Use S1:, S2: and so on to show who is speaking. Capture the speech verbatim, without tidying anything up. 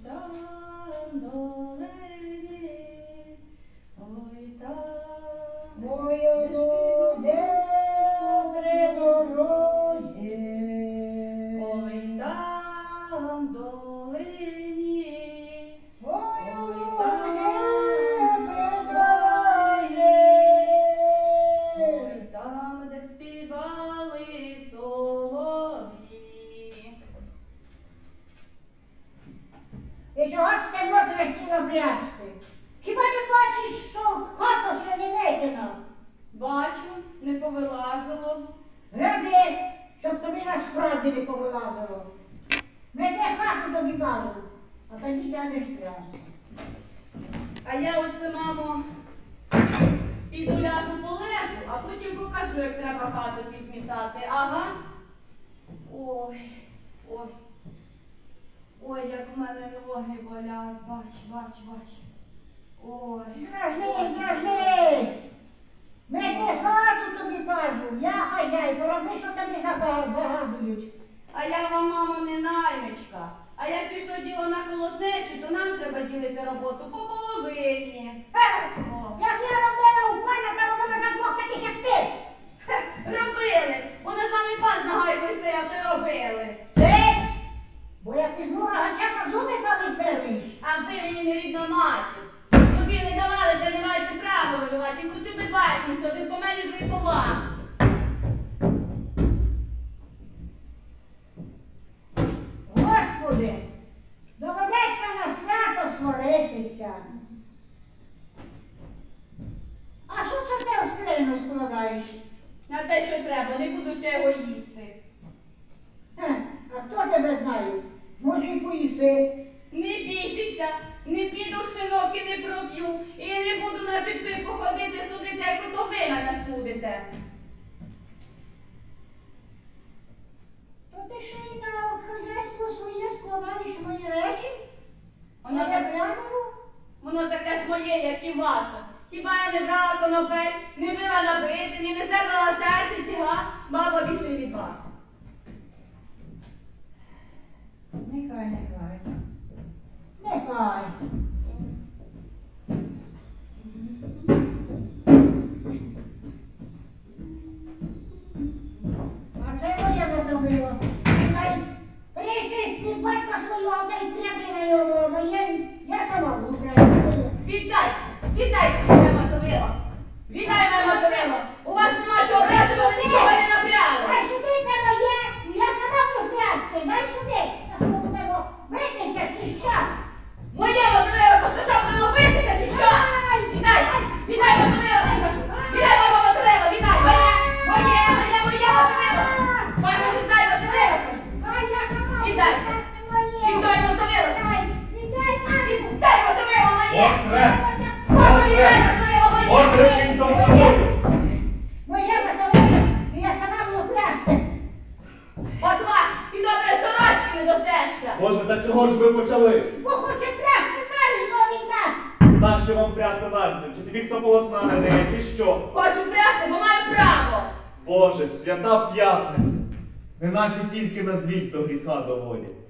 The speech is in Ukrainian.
S1: там долині, ой там.
S2: Мою лузе при дорозі.
S1: Ой там долині,
S2: Мою
S1: ой
S2: лузе
S1: там
S2: при дорозі.
S1: ой там, де співали солов'ї.
S2: І чого ж ти мотре сіла плясти? Хіба не бачиш, що хата ще не метена?
S1: Бачу, не повилазило.
S2: Гляди, щоб тобі насправді не повилазило. Веде хату тобі кажу, а тоді сядеш плясти.
S1: А я оце, мамо, піду ляжу полежу, а потім покажу, як треба хату підмітати. Ага. Ой, ой. Ой, як в мене ноги болять. Бач, бач, бач. Ой.
S2: Дражнись, дражнись! Веде хату тобі кажу, я хазяйка, роби, що тобі зага- загадують.
S1: А я вам, мамо, не наймичка. А як пішло діло на колоднечу, то нам треба ділити роботу по половині.
S2: Ха!
S1: О.
S2: Як я робила у пана, та робила за двох таких, як ти.
S1: Хе, робили. Бо над вами пан з нагайкою стояв, то й робили.
S2: Цець! Бо як візьму рогача, то зуби колись береш.
S1: А ви мені не рідна матір. Тобі не давали, та не маєте права вибивати. І куди ви бачите, один по мені, другий по вам.
S2: Господи, доведеться на свято сваритися. А що це ти в скриню складаєш?
S1: На те, що треба, не буду ще його їсти.
S2: Хе, а хто тебе знає? Може, і поїси.
S1: Не бійтеся, не піду в шинок і не проп'ю. І не буду на підпивку ходити судити, як ото ви мене судите.
S2: То ти ще й на хазяйство своє складаєш мої речі?
S1: Воно,
S2: Я
S1: так,
S2: прямо?
S1: воно таке ж моє, як і ваше. Хіба я не брала конопель, не била на бритині, не терла терти ціга, баба більше від вас.
S2: Нехай, нехай. Нехай. А це моє мотовило. Нехай присість від батька свого, та й пряди на ньому. Моє, я сама буду пряди.
S1: Віддай, віддайте себе мотовило. Віддай моє мотовило. У вас нема чого брати, бо ви нічого не напряли.
S2: Дай сюди, це моє, і я сама буду прясти. Дай сюди. А що будемо битися, чи що?
S1: Моє мотовило, то що будемо битися, чи що? Віддай, віддай мотовило, я кажу. Віддай моє мотовило, віддай. Моє, моє, моє, моє мотовило. Мамо, віддай мотовило, кажу.
S2: Ай, я сама буду
S1: Віддай.
S2: прясти моє.
S1: Віддай мотовило.
S2: Дай, віддай, мамо.
S1: Віддай мотовило моє.
S3: Отре!
S1: Мамо, віддай мотовило моє.
S3: Отре, кінь за мною!
S2: Моє мотовило, і я сама буду прясти.
S1: От вас і добре сорочки не дождешся.
S3: Боже, та чого ж ви почали?
S2: Бо хоче прясти нарізно від нас.
S3: Нащо вам прясти нарізно? Чи тобі хто полотна не дає, чи що?
S1: Хочу прясти, бо маю право.
S3: Боже, свята п'ятниця! Неначе тільки на злість до гріха доводять.